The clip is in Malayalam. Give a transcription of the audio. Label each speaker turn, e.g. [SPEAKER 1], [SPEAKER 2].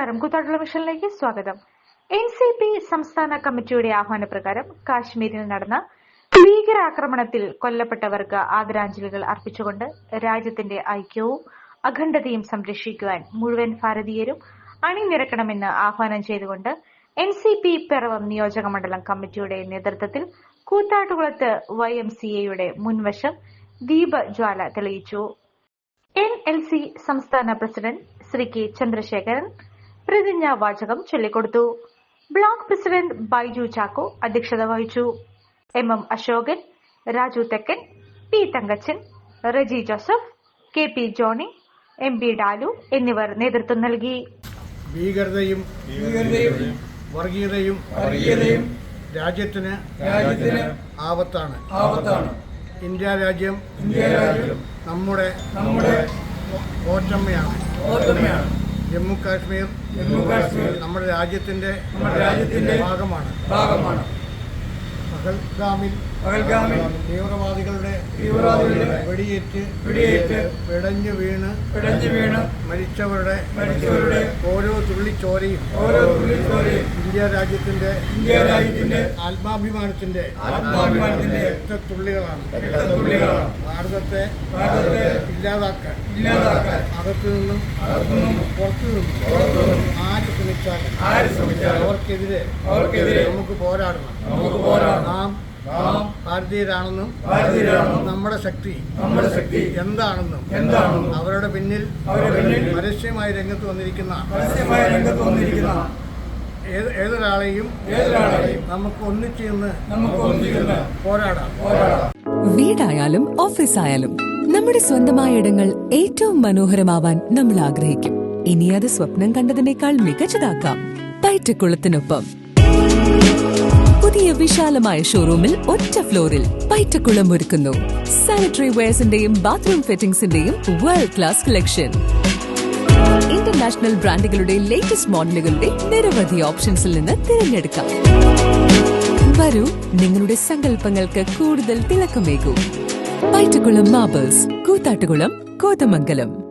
[SPEAKER 1] നമസ്കാരം. കൂത്താട്ടുള്ള മിഷനിലേക്ക് സ്വാഗതം. NCP സംസ്ഥാന കമ്മിറ്റിയുടെ ആഹ്വാനപ്രകാരം കാശ്മീരിൽ നടന്ന ഭീകരാക്രമണത്തിൽ കൊല്ലപ്പെട്ടവർക്ക് ആദരാഞ്ജലികൾ അർപ്പിച്ചുകൊണ്ട് രാജ്യത്തിന്റെ ഐക്യവും അഖണ്ഡതയും സംരക്ഷിക്കുവാൻ മുഴുവൻ ഭാരതീയരും അണിനിരക്കണമെന്ന് ആഹ്വാനം ചെയ്തുകൊണ്ട് NCP പിറവം നിയോജക മണ്ഡലം കമ്മിറ്റിയുടെ നേതൃത്വത്തിൽ കൂത്താട്ടുകുളത്ത് YMCAയുടെ മുൻവശം ദീപജ്വാല തെളിയിച്ചു. NLC സംസ്ഥാന പ്രസിഡന്റ് ശ്രീ K. ചന്ദ്രശേഖരൻ പ്രതിജ്ഞാവാചകം ചൊല്ലിക്കൊടുത്തു. ബ്ലോക്ക് പ്രസിഡന്റ് ബൈജു ചാക്കോ അധ്യക്ഷത വഹിച്ചു. MM Ashokan, Raju Thekkan, P. Thankachan, Reji Joseph, KP Johnny, MB Dalu എന്നിവർ നേതൃത്വം നൽകി.
[SPEAKER 2] ഭീകരതയും വർഗീയതയും രാജ്യത്തിന് ആപത്താണ്. ഇന്ത്യ രാജ്യം നമ്മുടെ ഓറ്റമ്മയാണ്. ജമ്മു കാശ്മീർ നമ്മുടെ രാജ്യത്തിന്റെ ഭാഗമാണ്. പഹൽഗാമിൽ തീവ്രവാദികളുടെ വെടിയേറ്റ് പിടഞ്ഞു വീണ് മരിച്ചവരുടെ ഓരോ തുള്ളിച്ചോരയും ഇന്ത്യ രാജ്യത്തിന്റെ ആത്മാഭിമാനത്തിന്റെ രക്തത്തുള്ളികളാണ്. ഭാരതത്തെ ഇല്ലാതാക്കാൻ അകത്തുനിന്നും പുറത്തുനിന്നും ആര് ശ്രമിച്ചാലും അവർക്കെതിരെ നമുക്ക് പോരാടണം. നാം ഭാരതീയരാണെന്നും നമ്മുടെ ശക്തി എന്താണെന്നും അവരുടെ പിന്നിൽ പരസ്യമായി രംഗത്ത് വന്നിരിക്കുന്ന ഏതൊരാളെയും നമുക്ക് ഒന്നിച്ച് പോരാടാം.
[SPEAKER 3] വീടായാലും ഓഫീസായാലും നമ്മുടെ സ്വന്തമായ ഇടങ്ങൾ ഏറ്റവും മനോഹരമാവാൻ നമ്മൾ ആഗ്രഹിക്കും. ഇനി അത് സ്വപ്നം കണ്ടതിനേക്കാൾ മികച്ചതാക്കാം പൈറ്റക്കുളത്തിനൊപ്പം. പുതിയ വിശാലമായ ഷോറൂമിൽ ഒറ്റ ഫ്ലോറിൽ പൈറ്റക്കുളം ഒരുക്കുന്നു സാനിറ്ററി വെയർസിന്റെയും ബാത്റൂം ഫിറ്റിംഗ്സിന്റെയും വേൾഡ് ക്ലാസ് കളക്ഷൻ. ഇന്റർനാഷണൽ ബ്രാൻഡുകളുടെ ലേറ്റസ്റ്റ് മോഡലുകളുടെ നിരവധി ഓപ്ഷൻസിൽ നിന്ന് തിരഞ്ഞെടുക്കാം. വരൂ, നിങ്ങളുടെ സങ്കല്പങ്ങൾക്ക് കൂടുതൽ തിളക്കമേകൂ. പൈറ്റക്കുളം മാർബിൾസ്, കൂത്താട്ടുകുളം, കോതമംഗലം.